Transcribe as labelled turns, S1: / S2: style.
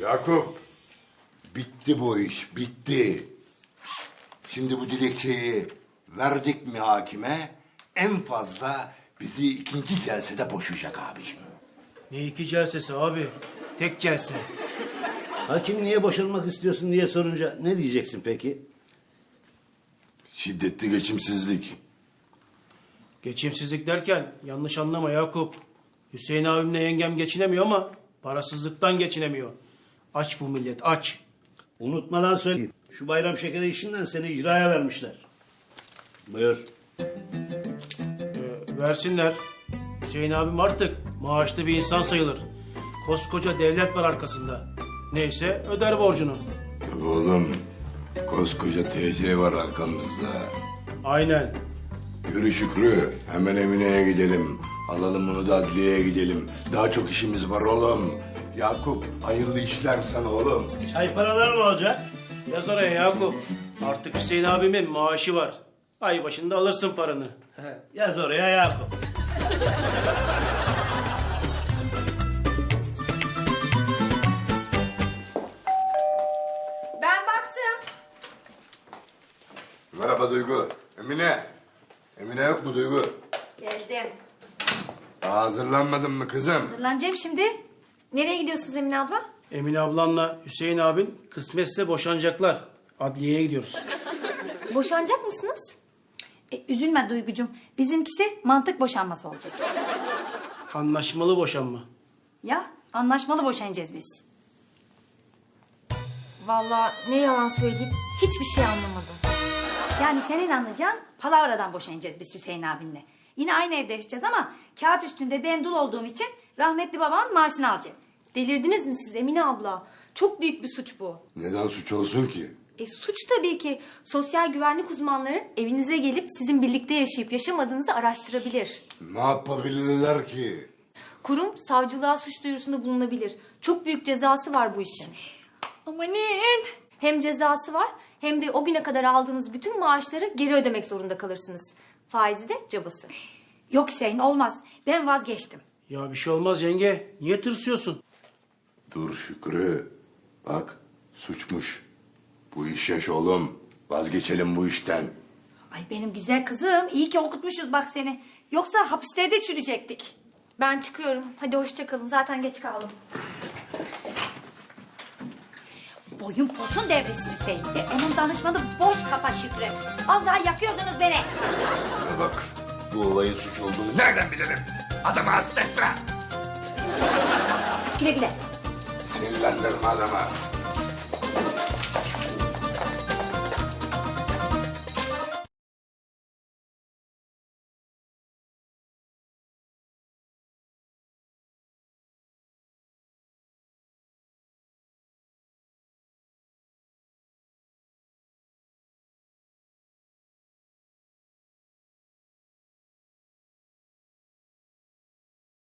S1: Yakup, bitti bu iş, bitti. Şimdi bu dilekçeyi verdik mi hakime, en fazla bizi ikinci celsede boşayacak abiciğim.
S2: Ne iki celsesi abi? Tek celse.
S3: Hakim niye boşanmak istiyorsun diye sorunca ne diyeceksin peki?
S1: Şiddetli geçimsizlik.
S2: Geçimsizlik derken yanlış anlama Yakup. Hüseyin abimle yengem geçinemiyor ama parasızlıktan geçinemiyor. Aç bu millet, aç.
S3: Unutmadan söyleyeyim. Şu bayram şekeri işinden seni icraya vermişler. Buyur.
S2: Versinler. Hüseyin abim artık maaşlı bir insan sayılır. Koskoca devlet var arkasında. Neyse öder borcunu.
S1: Tabii oğlum, koskoca TC var arkamızda.
S2: Aynen.
S1: Yürü Şükrü, hemen Emine'ye gidelim. Alalım onu da adliyeye gidelim. Daha çok işimiz var oğlum. Yakup, hayırlı işler sana oğlum.
S3: Çay paraları ne olacak?
S2: Yaz oraya Yakup. Artık Hüseyin abimin maaşı var. Ay başında alırsın paranı.
S3: Yaz oraya Yakup.
S4: Ben baktım.
S1: Merhaba Duygu. Emine. Emine yok mu Duygu?
S4: Geldim.
S1: Daha hazırlanmadın mı kızım?
S4: Hazırlanacağım şimdi. Nereye gidiyorsunuz Emine abla?
S2: Emine ablanla Hüseyin abin kısmetse boşanacaklar. Adliyeye gidiyoruz.
S4: Boşanacak mısınız? Üzülme Duygucuğum. Bizimkisi mantık boşanması olacak.
S2: Anlaşmalı boşanma.
S4: Ya anlaşmalı boşanacağız biz.
S5: Vallahi ne yalan söyleyeyim hiçbir şey anlamadım.
S4: Yani senin anlayacağın palavradan boşanacağız biz Hüseyin abinle. Yine aynı evde yaşayacağız ama kağıt üstünde ben dul olduğum için rahmetli babamın maaşını alacağım.
S5: Delirdiniz mi siz Emine abla? Çok büyük bir suç bu.
S1: Neden suç olsun ki?
S5: Suç tabii ki. Sosyal güvenlik uzmanları evinize gelip sizin birlikte yaşayıp yaşamadığınızı araştırabilir.
S1: Ne yapabilirler ki?
S5: Kurum savcılığa suç duyurusunda bulunabilir. Çok büyük cezası var bu işin.
S4: Amanın.
S5: Hem cezası var hem de o güne kadar aldığınız bütün maaşları geri ödemek zorunda kalırsınız. Faizi de cabası.
S4: Yok Hüseyin olmaz. Ben vazgeçtim.
S2: Ya bir şey olmaz yenge. Niye tırsıyorsun?
S1: Dur Şükrü. Bak, suçmuş. Bu iş yaş oğlum. Vazgeçelim bu işten.
S4: Ay benim güzel kızım. İyi ki okutmuşuz bak seni. Yoksa hapislerde çürüyecektik.
S5: Ben çıkıyorum. Hadi hoşça kalın. Zaten geç kaldım.
S4: Boyun posun devresi Hüseyin. Onun danışmanı boş kafa Şükrü. Az daha yakıyordunuz beni.
S1: Bana bak, bu olayın suç olduğunu nereden bilelim? Adamı hasta etme.
S4: Güle güle.
S1: Sinirlendirme adama.